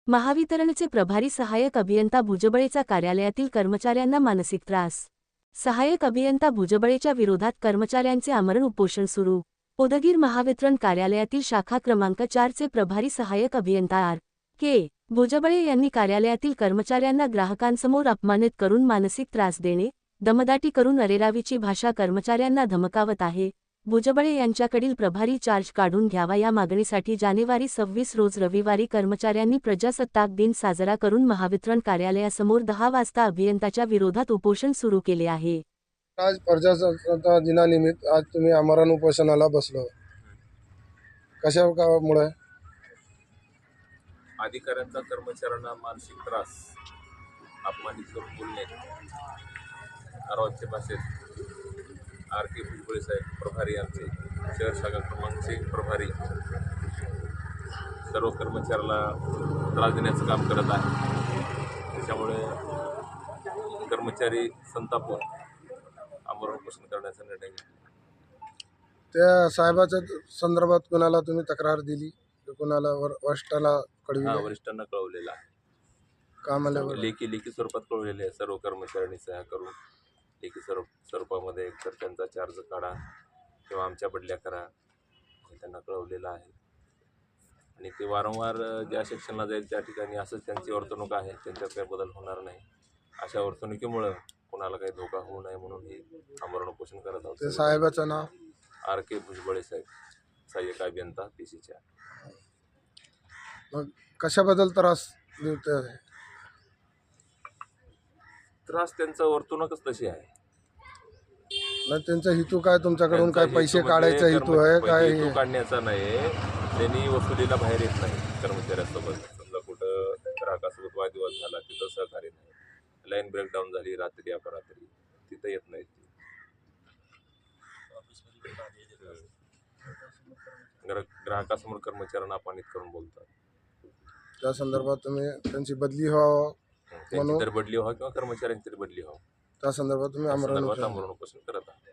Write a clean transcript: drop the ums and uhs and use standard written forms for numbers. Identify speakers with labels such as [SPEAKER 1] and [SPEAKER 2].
[SPEAKER 1] महावितरणचे प्रभारी सहाय्यक अभियंता भुजबळेचा कार्यालयातील कर्मचाऱ्यांना मानसिक त्रास। सहाय्यक अभियंता भुजबळेच्या विरोधात कर्मचाऱ्यांचे आमरण उपोषण सुरू। उदगीर महावितरण कार्यालयातील शाखा क्रमांक 4 चे प्रभारी सहाय्यक अभियंता आर.के. भुजबळे यांनी कार्यालयातील कर्मचाऱ्यांना ग्राहकांसमोर अपमानित करून मानसिक त्रास देणे, दमदाटी करून अरेरावीची भाषा कर्मचाऱ्यांना धमकावत आहे। भुजबळे यांच्याकडील प्रभारी चार्ज काढून घ्यावा या मागणीसाठी जानेवारी 26 रोज रविवारी कर्मचाऱ्यांनी प्रजासत्ताक दिन साजरा करून महावितरण कार्यालयासमोर 10 वाजता अभियंताच्या विरोधात उपोषण सुरू केले आहे।
[SPEAKER 2] आज प्रजासत्ताक दिनानिमित्त आज तुम्ही आमरण उपोषणाला बसलो, कशामुळे?
[SPEAKER 3] अधिकाऱ्यांचा कर्मचाऱ्यांना मानसिक त्रास, अपमानित करून बोलणे, अरवाच्या भाषेत आर.के. भुजबळे साहेब प्रभारी आमचे शहर शाखा क्रमांकचे प्रभारी सर्व कर्मचाऱ्याला त्रास देण्याचं काम करत आहे। त्याच्यामुळे कर्मचारी संतापून आमरण उपोषण करण्याचा निर्णय घेतला।
[SPEAKER 2] त्या साहेबाच्या संदर्भात कोणाला तुम्ही तक्रार दिली, कोणाला वरिष्ठाला कळविले?
[SPEAKER 3] वरिष्ठांना कळवलेलं आहे।
[SPEAKER 2] कामाला
[SPEAKER 3] लेखी स्वरूपात कळवलेले आहे। सर्व कर्मचाऱ्यांनी सह्या करून लेखी स्वरूपामध्ये एकतर त्यांचा चार्ज काढा किंवा आमच्या बदल्या करा हे त्यांना कळवलेलं आहे। आणि ते वारंवार ज्या सेक्शनला जाईल त्या ठिकाणी असंच त्यांची वर्तणूक आहे, त्यांच्यात काही बदल होणार नाही। अशा वर्तणुकीमुळं कोणाला काही धोका होऊ नये म्हणून हे आमरण उपोषण करत आहोत।
[SPEAKER 2] ते साहेबाचं नाव
[SPEAKER 3] आर.के. भुजबळे साहेब, सहाय्यक अभियंता PC4।
[SPEAKER 2] मग कशाबद्दल त्रास देते?
[SPEAKER 3] त्रास त्यांचा वर्तणूकच तशी आहे।
[SPEAKER 2] नाही, त्यांचा हेतू काय? तुमच्याकडून काय पैसे काढायचा हेतू आहे काय?
[SPEAKER 3] हेतू काढण्याचा नाही, त्यांनी वसुलीला बाहेर येत नाही कर्मचाऱ्यांसोबत। समजा कुठं ग्राहकासोबत वादविवाद झाला, तिथं सहकार्य नाही, लाईन ब्रेकडाऊन झाली रात्री अपरात्री, तिथं येत नाही। ग्राहकासमोर कर्मचाऱ्यांना अपमानित करून बोलतात।
[SPEAKER 2] त्या संदर्भात तुम्ही त्यांची बदली व्हावं
[SPEAKER 3] त्यांची तर बदली व्हावं किंवा कर्मचाऱ्यांची तरी बदली व्हावं
[SPEAKER 2] त्या संदर्भात तुम्ही आमरण
[SPEAKER 3] उपोषण करत आहात।